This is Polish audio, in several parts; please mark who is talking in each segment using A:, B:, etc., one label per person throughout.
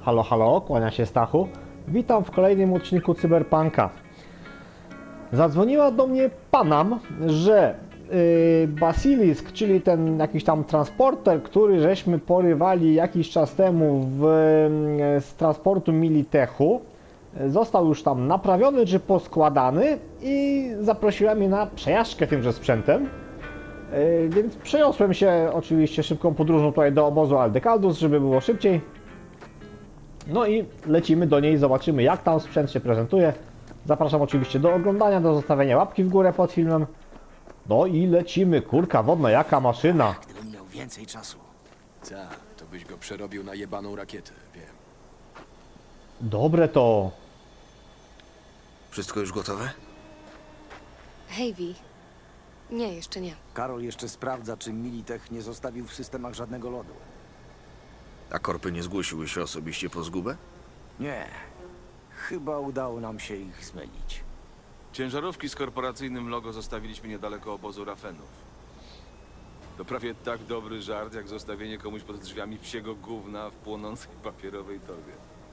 A: Halo, halo, kłania się Stachu. Witam w kolejnym odcinku Cyberpunka. Zadzwoniła do mnie Panam, że Basilisk, czyli ten jakiś tam transporter, który żeśmy porywali jakiś czas temu z transportu Militechu, został już tam naprawiony czy poskładany i zaprosiła mnie na przejażdżkę tymże sprzętem. Więc przeniosłem się oczywiście szybką podróżą tutaj do obozu Aldecaldus, żeby było szybciej. No i lecimy do niej, zobaczymy jak tam sprzęt się prezentuje. Zapraszam oczywiście do oglądania, do zostawienia łapki w górę pod filmem. No i lecimy, kurka wodna, jaka maszyna.
B: Gdybym miał więcej czasu.
C: Tak, to byś go przerobił na jebaną rakietę, wiem.
A: Dobre to.
C: Wszystko już gotowe?
D: Hej, Vi. Nie, jeszcze nie.
B: Karol jeszcze sprawdza, czy Militech nie zostawił w systemach żadnego lodu.
C: A korpy nie zgłosiły się osobiście po zgubę?
B: Nie. Chyba udało nam się ich zmylić.
E: Ciężarówki z korporacyjnym logo zostawiliśmy niedaleko obozu Rafenów. To prawie tak dobry żart, jak zostawienie komuś pod drzwiami psiego gówna w płonącej papierowej torbie.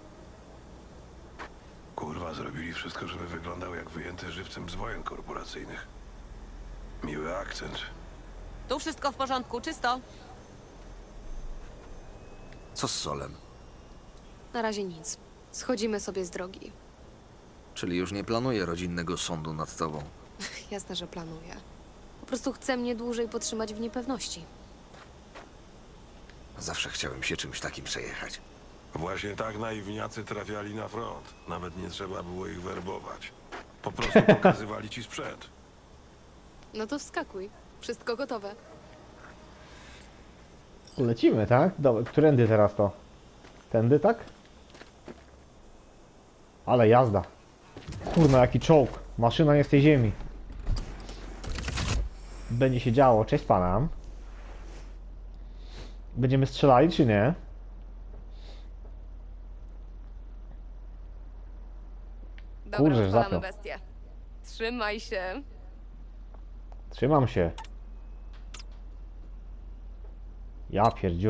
F: Kurwa, zrobili wszystko, żeby wyglądał jak wyjęty żywcem z wojen korporacyjnych. Miły akcent.
G: Tu wszystko w porządku, czysto.
C: Co z Solem?
D: Na razie nic. Schodzimy sobie z drogi.
C: Czyli już nie planuje rodzinnego sądu nad tobą.
D: Jasne, że planuję. Po prostu chcę mnie dłużej potrzymać w niepewności.
C: Zawsze chciałem się czymś takim przejechać.
F: Właśnie tak naiwniacy trafiali na front. Nawet nie trzeba było ich werbować. Po prostu pokazywali ci sprzęt.
D: No to wskakuj. Wszystko gotowe.
A: Lecimy, tak? Dobra, którędy teraz to? Tędy, tak? Ale jazda. Kurna, jaki czołg. Maszyna nie z tej ziemi. Będzie się działo. Cześć Panam. Będziemy strzelali, czy nie?
D: Dobra,
A: Kurczę,
D: odpalamy
A: zapiął.
D: bestię. Trzymaj się.
A: Trzymam się. Ja pierdziu.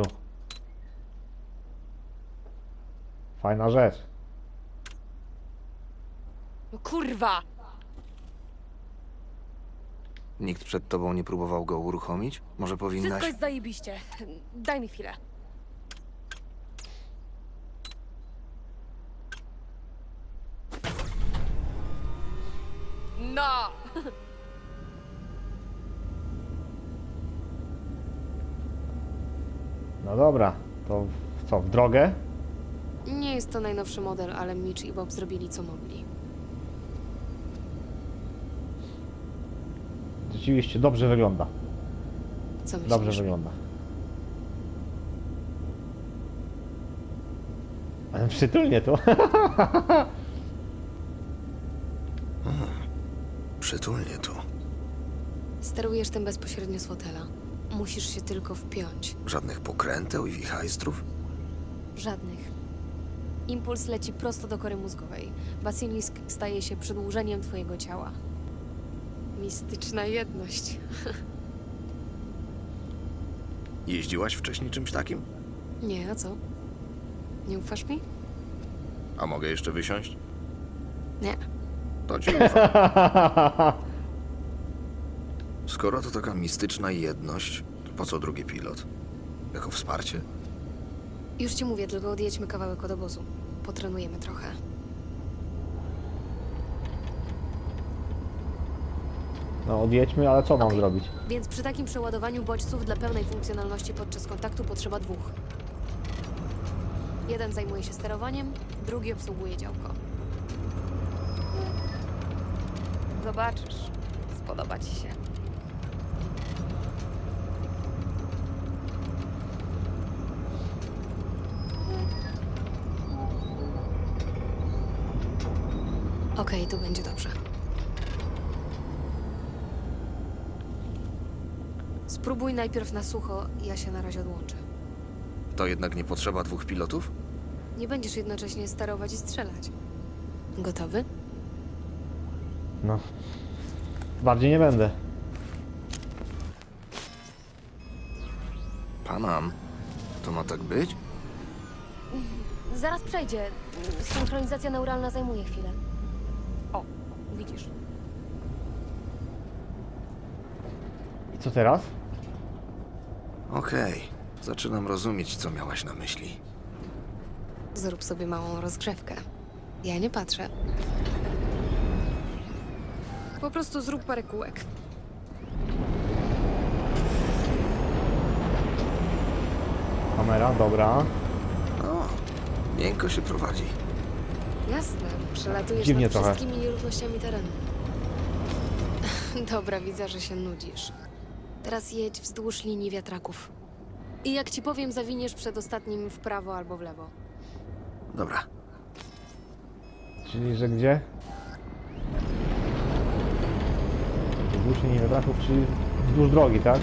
A: Fajna rzecz.
D: No kurwa!
C: Nikt przed tobą nie próbował go uruchomić? Może powinnaś...
D: Wszystko jest zajebiście. Daj mi chwilę. No!
A: No dobra, to co, w drogę?
D: Nie jest to najnowszy model, ale Mitch i Bob zrobili co mogli.
A: Rzeczywiście, dobrze wygląda.
D: Co myślisz?
A: Dobrze wygląda. Ale przytulnie tu.
C: Przytulnie tu.
D: Sterujesz tym bezpośrednio z fotela. Musisz się tylko wpiąć.
C: Żadnych pokręteł i wichajstrów?
D: Żadnych. Impuls leci prosto do kory mózgowej. Basilisk staje się przedłużeniem twojego ciała. Mistyczna jedność.
C: Jeździłaś wcześniej czymś takim?
D: Nie, a co? Nie ufasz mi?
C: A mogę jeszcze wysiąść?
D: Nie.
C: To ci ufam. Skoro to taka mistyczna jedność, to po co drugi pilot? Jako wsparcie?
D: Już ci mówię, tylko odjedźmy kawałek od obozu. Potrenujemy trochę.
A: No odjedźmy, ale co mam
D: Okej.
A: zrobić?
D: Więc przy takim przeładowaniu bodźców dla pełnej funkcjonalności podczas kontaktu potrzeba dwóch. Jeden zajmuje się sterowaniem, drugi obsługuje działko. Zobaczysz. Spodoba ci się. Okej, tu będzie dobrze. Spróbuj najpierw na sucho, ja się na razie odłączę.
C: To jednak nie potrzeba dwóch pilotów?
D: Nie będziesz jednocześnie sterować i strzelać. Gotowy?
A: No. Bardziej nie będę.
C: Panam, to ma tak być?
D: Zaraz przejdzie. Synchronizacja neuralna zajmuje chwilę. O, widzisz.
A: I co teraz?
C: Okej, zaczynam rozumieć, co miałaś na myśli.
D: Zrób sobie małą rozgrzewkę. Ja nie patrzę. Po prostu zrób parę kółek.
A: Kamera, dobra.
C: O, miękko się prowadzi.
D: Jasne, przelatujesz
A: Dziwnie
D: nad
A: trochę.
D: wszystkimi nierównościami terenu. Dobra, widzę, że się nudzisz. Teraz jedź wzdłuż linii wiatraków. I jak ci powiem, zawiniesz przed ostatnim w prawo albo w lewo.
C: Dobra,
A: Czyli, że gdzie? Wzdłuż linii wiatraków, czyli wzdłuż drogi, tak?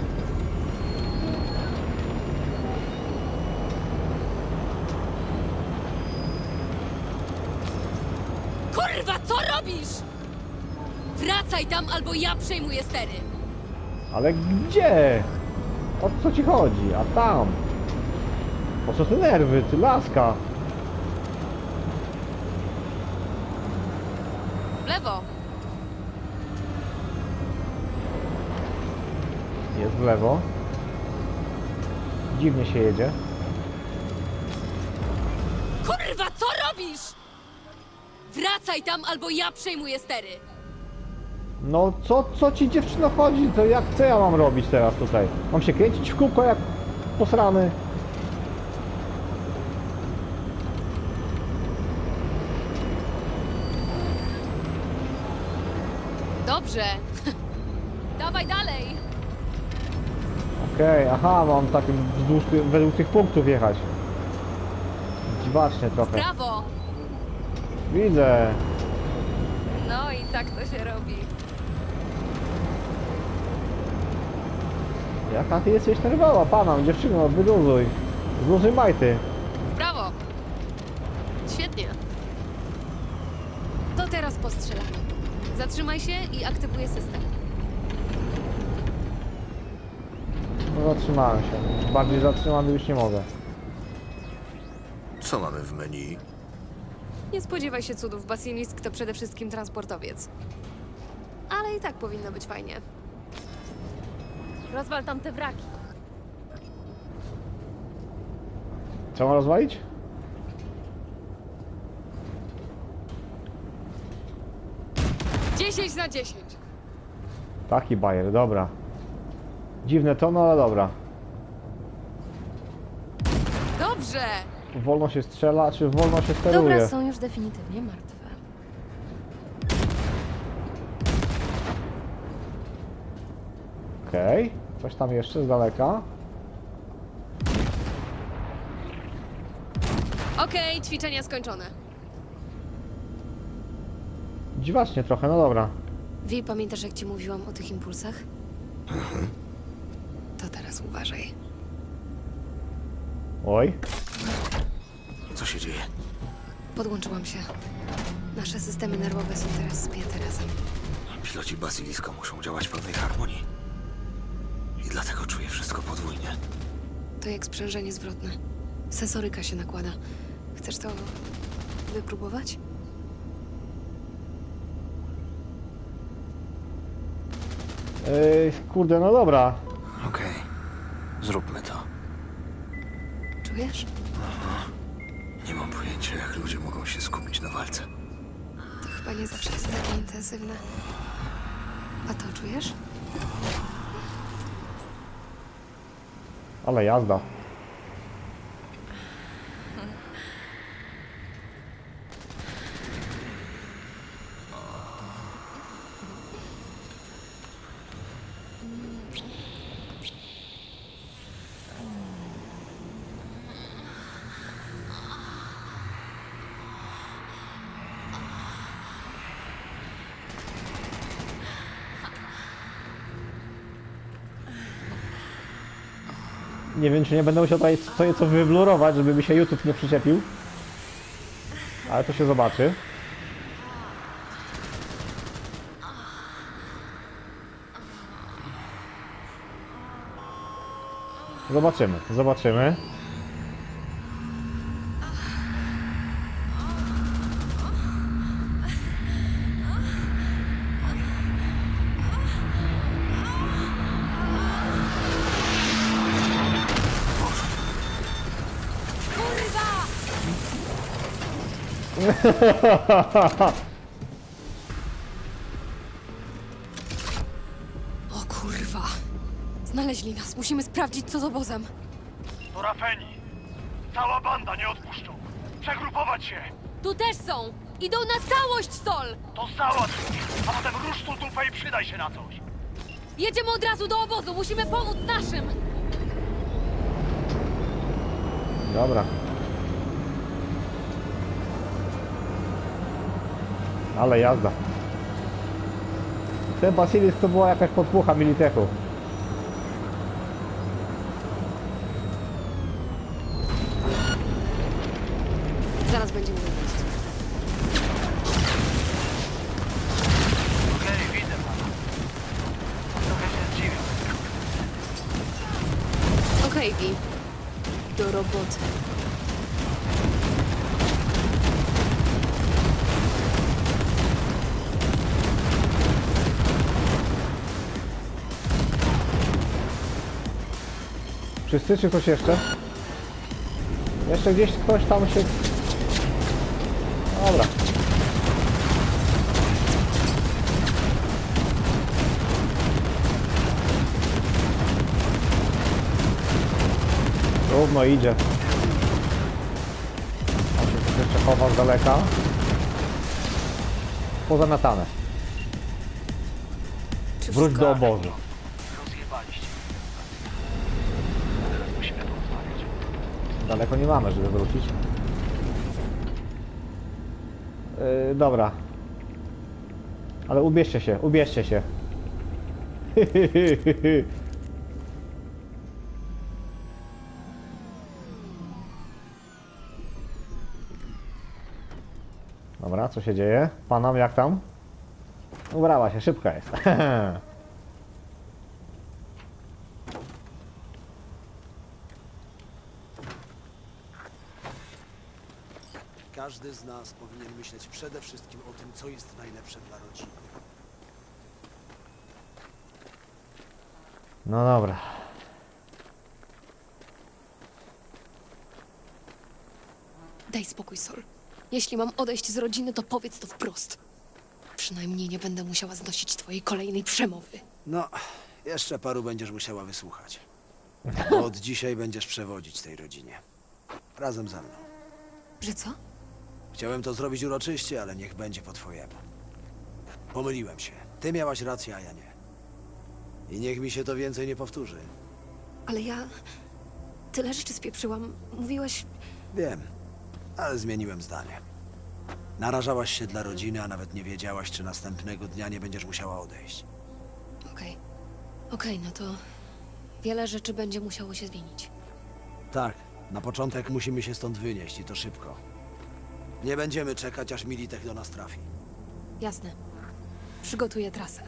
G: Kurwa, co robisz? Wracaj tam, albo ja przejmuję stery.
A: Ale gdzie? O co ci chodzi? A tam? Po co te nerwy, ty laska?
G: W lewo.
A: Jest w lewo. Dziwnie się jedzie.
G: Kurwa, co robisz? Wracaj tam, albo ja przejmuję stery.
A: No co ci dziewczyno chodzi? To jak, co ja mam robić teraz tutaj? Mam się kręcić w kółko jak posrany?
G: Dobrze. Dawaj dalej.
A: Okej, aha, mam tak wzdłuż, według tych punktów jechać. Dziwacznie trochę.
G: Prawo.
A: Widzę.
G: No i tak to się robi.
A: Jaka ty jesteś nerwowa, pana, dziewczyno, wyluzuj. Zluzuj majty.
G: W prawo. Świetnie.
D: To teraz postrzelamy. Zatrzymaj się i aktywuję system.
A: No zatrzymałem się. Bardziej zatrzymany już nie mogę.
C: co mamy w menu?
D: Nie spodziewaj się cudów, Basilisk to przede wszystkim transportowiec. Ale i tak powinno być fajnie.
G: Rozwal tam te wraki.
A: Co mam rozwalić?
D: Dziesięć na 10.
A: Taki bajer, dobra. Dziwne to, no ale dobra.
D: Dobrze!
A: Wolno się strzela, czy wolno się steruje?
D: Dobra, są już definitywnie martwe.
A: Okej, coś tam jeszcze z daleka.
D: Okej, ćwiczenia skończone.
A: Dziwacznie trochę, no dobra.
D: Wi, pamiętasz jak ci mówiłam o tych impulsach? To teraz uważaj.
A: Oj,
C: Co się dzieje?
D: Podłączyłam się. Nasze systemy nerwowe są teraz spięte razem.
C: Piloci Basiliska muszą działać w pewnej harmonii. I dlatego czuję wszystko podwójnie.
D: To jak sprzężenie zwrotne. Sensoryka się nakłada. Chcesz to wypróbować?
A: kurde, no dobra.
C: Okej, zróbmy to.
D: Czujesz?
C: Nie mam pojęcia, jak ludzie mogą się skupić na walce.
D: To chyba nie zawsze jest takie intensywne. A to czujesz?
A: Ale jazda. Nie wiem, czy nie będę musiał tutaj co wyblurować, żeby mi się YouTube nie przyczepił. Ale to się zobaczy. Zobaczymy, zobaczymy.
D: O kurwa. Znaleźli nas. Musimy sprawdzić, co z obozem.
H: To Rafeni. Cała banda, nie odpuszczą. Przegrupować się.
G: Tu też są! Idą na całość, Sol!
H: To załatw, a potem rusz tu dupę i przydaj się na coś.
G: Jedziemy od razu do obozu, musimy pomóc naszym!
A: Dobra. Ale jazda. Ten Basilis to była jakaś podpucha Militechu.
D: Zaraz będziemy na miejscu.
H: Okej, widzę pana. Trochę się zdziwił.
D: Okej, Vi. Do roboty.
A: Wszyscy czy ktoś jeszcze? Jeszcze gdzieś ktoś tam się... Dobra. Równo idzie. On się tu jeszcze chowa z daleka. Pozamiatane.
D: Czy
A: Wróć
D: wszystko...
A: do obozu.
H: Rozjebaliście. Teraz musimy porozmawiać.
A: Daleko nie mamy, żeby wrócić. Dobra. Ale ubierzcie się, ubierzcie się. Dobra, co się dzieje? Panam, jak tam? Ubrała się, szybka jest.
B: Każdy z nas powinien myśleć przede wszystkim o tym, co jest najlepsze dla rodziny.
A: No dobra.
D: Daj spokój, Sol. Jeśli mam odejść z rodziny, to powiedz to wprost. Przynajmniej nie będę musiała znosić twojej kolejnej przemowy.
B: No, jeszcze paru będziesz musiała wysłuchać. Bo od dzisiaj będziesz przewodzić tej rodzinie. Razem ze mną.
D: Że co?
B: Chciałem to zrobić uroczyście, ale niech będzie po twojemu. Pomyliłem się. Ty miałaś rację, a ja nie. I niech mi się to więcej nie powtórzy.
D: Ale ja... Tyle rzeczy spieprzyłam. Mówiłeś...
B: Wiem, ale zmieniłem zdanie. Narażałaś się dla rodziny, a nawet nie wiedziałaś, czy następnego dnia nie będziesz musiała odejść.
D: Okej. Okej, no to... Wiele rzeczy będzie musiało się zmienić.
B: Tak, na początek musimy się stąd wynieść i to szybko. Nie będziemy czekać, aż Militech do nas trafi.
D: Jasne. Przygotuję trasę.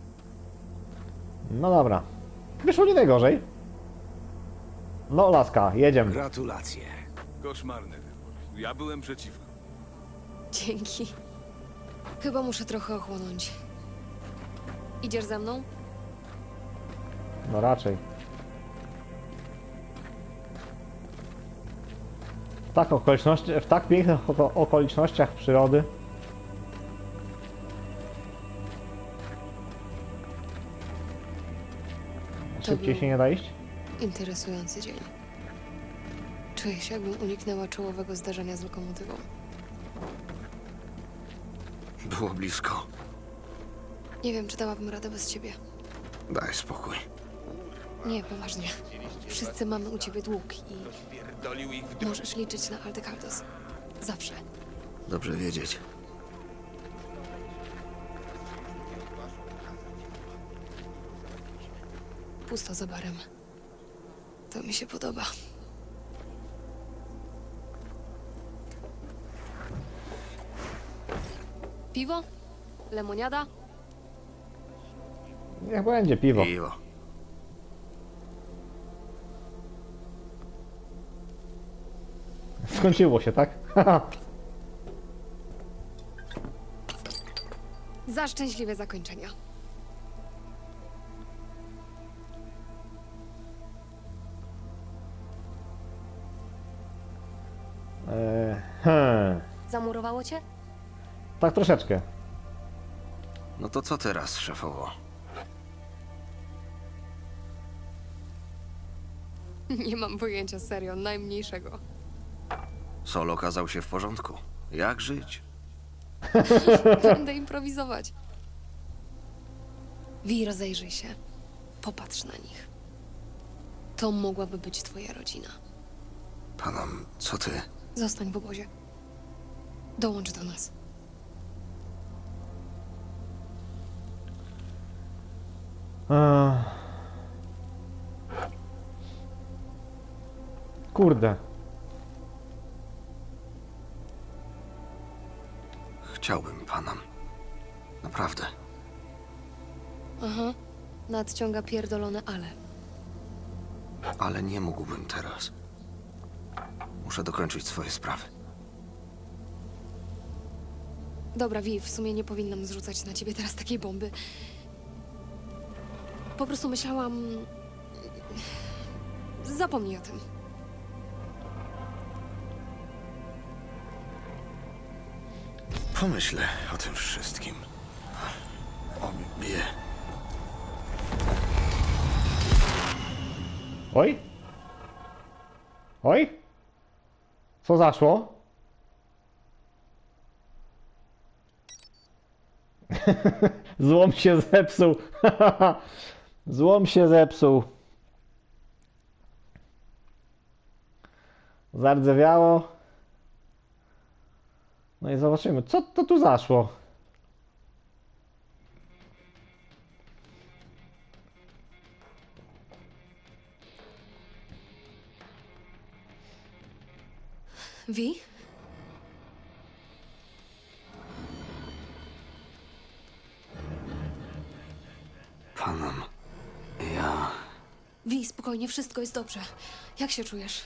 A: No dobra. Wyszło nie najgorzej. No laska, jedziemy.
B: Gratulacje.
E: Koszmarny wybór. Ja byłem przeciwko.
D: Dzięki. Chyba muszę trochę ochłonąć. Idziesz ze mną?
A: No raczej. W tak pięknych okolicznościach przyrody. Szybciej
D: był-
A: się nie da iść?
D: Interesujący dzień. Czuję się, jakbym uniknęła czołowego zdarzenia z lokomotywą.
C: Było blisko.
D: Nie wiem, czy dałabym radę bez ciebie.
C: Daj spokój.
D: Nie, poważnie. Wszyscy mamy u ciebie dług i możesz liczyć na Aldekaldos. Zawsze.
C: Dobrze wiedzieć.
D: Pusto za barem. To mi się podoba. Piwo? Lemoniada?
A: Niech będzie piwo.
C: Piwo.
A: Skończyło się, tak?
D: Za szczęśliwe zakończenia. Zamurowało cię?
A: Tak troszeczkę.
C: No to co teraz, szefowo?
D: Nie mam pojęcia, serio, najmniejszego.
C: Sol okazał się w porządku. Jak żyć?
D: Będę improwizować. Wi, rozejrzyj się. Popatrz na nich. To mogłaby być twoja rodzina.
C: Panam, co ty?
D: Zostań w obozie. Dołącz do nas.
A: Kurde.
C: Chciałbym, Panam. Naprawdę.
D: Aha. Nadciąga pierdolone ale.
C: Ale nie mógłbym teraz. Muszę dokończyć swoje sprawy.
D: Dobra, Wi, w sumie nie powinnam zrzucać na ciebie teraz takiej bomby. Po prostu myślałam... Zapomnij o tym.
C: Pomyślę o tym wszystkim. Obie.
A: Oj? Oj? Co zaszło? Złom się zepsuł. Złom się zepsuł. Zardzewiało. No i zobaczymy, co to tu zaszło.
D: Wi?
C: Panam, ja...
D: Wi, spokojnie, wszystko jest dobrze. Jak się czujesz?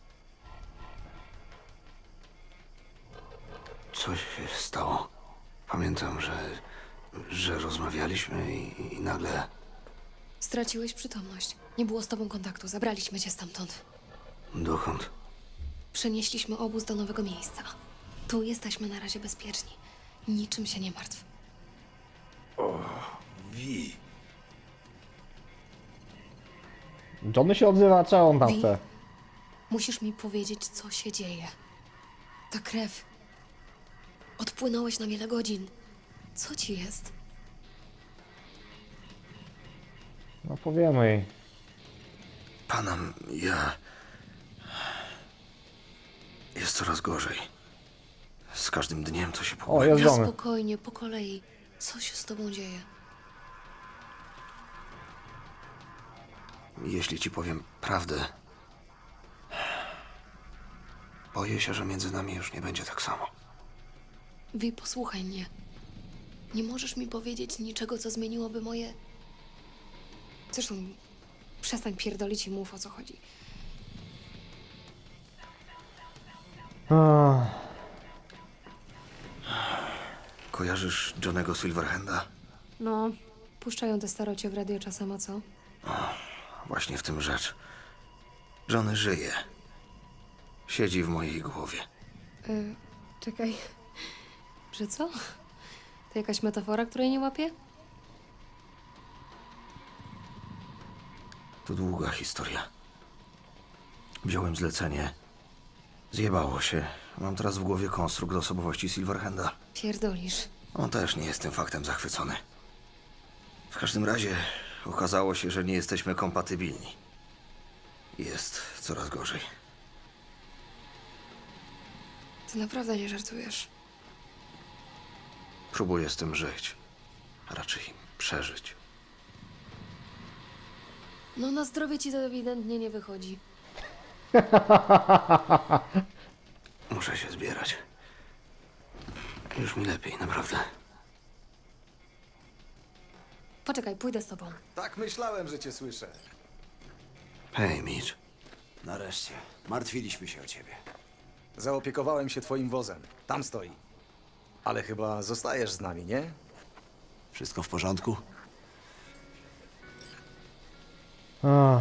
C: Coś się stało. Pamiętam, że rozmawialiśmy i nagle...
D: Straciłeś przytomność. Nie było z tobą kontaktu. Zabraliśmy cię stamtąd.
C: Dokąd?
D: Przenieśliśmy obóz do nowego miejsca. Tu jesteśmy na razie bezpieczni. Niczym się nie martw.
B: Wi.
A: Johnny się odzywa, czy on tam
D: Wi?
A: chce?
D: Musisz mi powiedzieć, co się dzieje. Ta krew. Odpłynąłeś na wiele godzin. Co ci jest?
A: No powiemy jej.
C: Panam, ja... Jest coraz gorzej. Z każdym dniem to się
A: O,
C: pogłębia.
A: jest Johnny.
D: Spokojnie, po kolei. Co się z tobą dzieje?
C: Jeśli ci powiem prawdę... Boję się, że między nami już nie będzie tak samo.
D: Wi, posłuchaj mnie. Nie możesz mi powiedzieć niczego, co zmieniłoby moje... Zresztą, przestań pierdolić i mów, o co chodzi.
A: Ach,
C: Kojarzysz Johnego Silverhanda?
D: No, puszczają te starocie w radio czasem, a co?
C: Właśnie w tym rzecz. Johnny żyje. Siedzi w mojej głowie.
D: Czekaj. Że co? To jakaś metafora, której nie łapię?
C: To długa historia. Wziąłem zlecenie. Zjebało się. Mam teraz w głowie konstrukt osobowości Silverhanda.
D: Pierdolisz.
C: On też nie jest tym faktem zachwycony. W każdym razie okazało się, że nie jesteśmy kompatybilni. Jest coraz gorzej.
D: Ty naprawdę nie żartujesz.
C: Próbuję z tym żyć. A raczej przeżyć.
D: No na zdrowie ci to ewidentnie nie wychodzi.
C: Muszę się zbierać. Już mi lepiej, naprawdę.
D: Poczekaj, pójdę z tobą.
I: Tak myślałem, że cię słyszę.
C: Hej, Mitch.
B: Nareszcie. Martwiliśmy się o ciebie.
I: Zaopiekowałem się twoim wozem. Tam stoi. Ale chyba zostajesz z nami, nie?
B: Wszystko w porządku?
A: ach.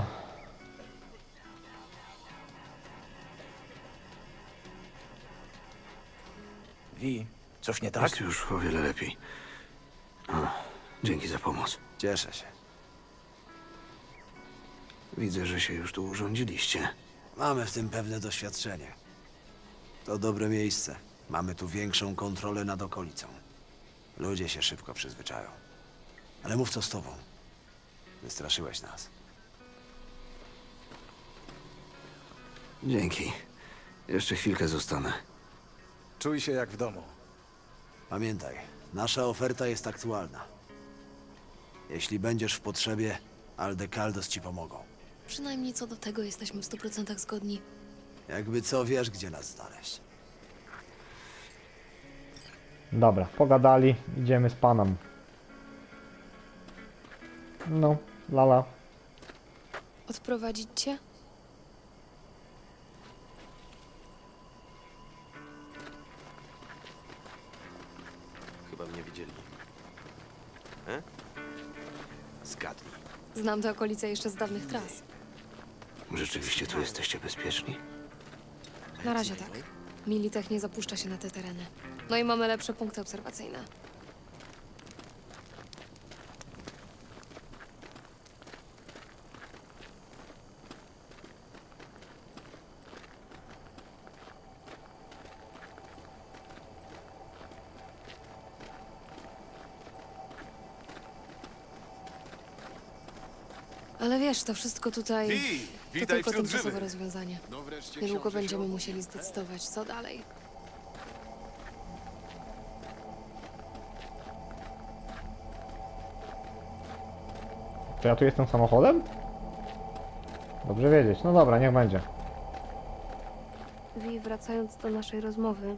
I: Wi, coś nie tak?
C: Jest już o wiele lepiej. O, dzięki za pomoc.
B: Cieszę się.
C: Widzę, że się już tu urządziliście.
B: Mamy w tym pewne doświadczenie. To dobre miejsce. Mamy tu większą kontrolę nad okolicą. Ludzie się szybko przyzwyczają. Ale mów co z tobą. Wystraszyłeś nas.
C: Dzięki. Jeszcze chwilkę zostanę.
I: Czuj się jak w domu.
B: Pamiętaj, nasza oferta jest aktualna. Jeśli będziesz w potrzebie, Aldecaldos ci pomogą.
D: Przynajmniej co do tego jesteśmy w 100% zgodni.
B: Jakby co, wiesz, gdzie nas znaleźć.
A: Dobra, pogadali, idziemy z panem. No, lala.
D: Odprowadzić cię?
E: Chyba mnie widzieli.
B: Zgadnij.
D: Znam te okolice jeszcze z dawnych tras.
C: Rzeczywiście tu jesteście bezpieczni?
D: Na razie tak. Militech nie zapuszcza się na te tereny. No i mamy lepsze punkty obserwacyjne. Ale wiesz, to wszystko tutaj to tylko tymczasowe rozwiązanie. Niedługo będziemy musieli zdecydować, co dalej.
A: To ja tu jestem samochodem? Dobrze wiedzieć. No dobra, niech będzie.
D: Wi, wracając do naszej rozmowy.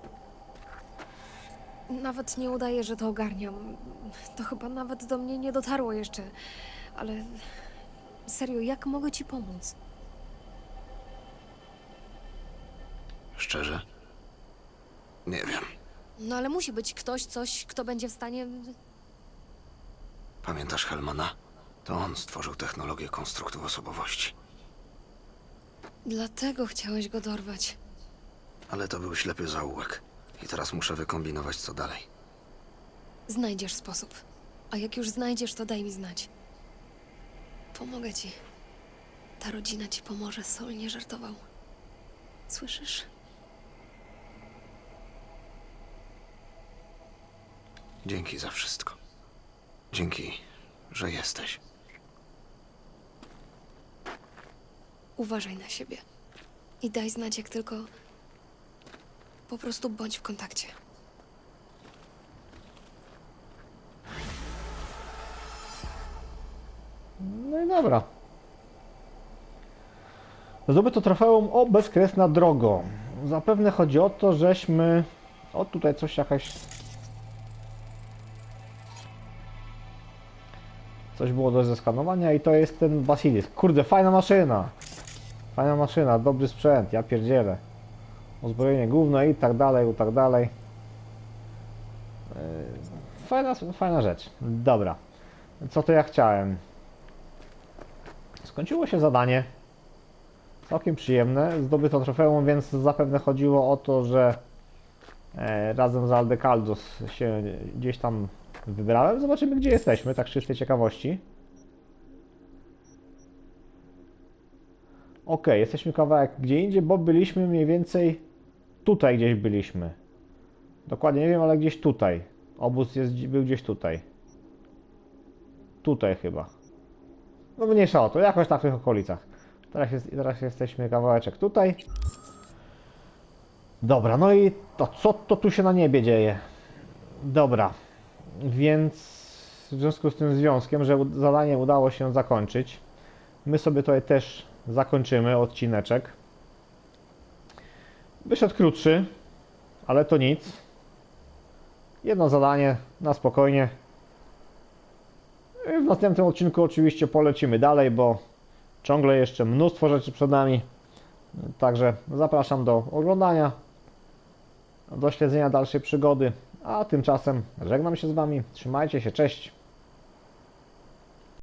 D: Nawet nie udaję, że to ogarniam. To chyba nawet do mnie nie dotarło jeszcze. Ale serio, jak mogę ci pomóc?
C: Szczerze? Nie wiem.
D: No ale musi być ktoś, coś, kto będzie w stanie...
C: Pamiętasz Helmana? To on stworzył technologię konstruktu osobowości.
D: Dlatego chciałeś go dorwać.
C: Ale to był ślepy zaułek. I teraz muszę wykombinować, co dalej.
D: Znajdziesz sposób. A jak już znajdziesz, to daj mi znać. Pomogę ci. Ta rodzina ci pomoże, Sol nie żartował. Słyszysz?
C: Dzięki za wszystko. Dzięki, że jesteś.
D: Uważaj na siebie. I daj znać, jak tylko... Po prostu bądź w kontakcie.
A: No i dobra. Zdobyto trofeum o bezkresna drogo. Zapewne chodzi o to, żeśmy... O, tutaj coś jakaś... Coś było do zeskanowania i to jest ten Basilisk. Kurde, fajna maszyna! Fajna maszyna, dobry sprzęt, ja pierdzielę. Uzbrojenie główne i tak dalej, i tak dalej. Fajna rzecz. Dobra. Co to ja chciałem? Skończyło się zadanie. Całkiem przyjemne. Zdobyto trofeum, więc zapewne chodziło o to, że razem z Aldecaldos się gdzieś tam wybrałem. Zobaczymy, gdzie jesteśmy, tak z czystej ciekawości. Ok, jesteśmy kawałek gdzie indziej, bo byliśmy mniej więcej tutaj gdzieś byliśmy. Dokładnie nie wiem, ale gdzieś tutaj. Obóz był gdzieś tutaj. Tutaj chyba. No mniejsza o to, jakoś tak w tych okolicach. Teraz jesteśmy kawałeczek tutaj. Dobra, no i to co to tu się na niebie dzieje? Dobra, więc w związku z tym związkiem, że zadanie udało się zakończyć, my sobie tutaj też zakończymy odcineczek. Wyszedł krótszy, ale to nic. Jedno zadanie na spokojnie. W następnym odcinku oczywiście polecimy dalej, bo ciągle jeszcze mnóstwo rzeczy przed nami. Także zapraszam do oglądania, do śledzenia dalszej przygody. A tymczasem żegnam się z Wami. Trzymajcie się, cześć!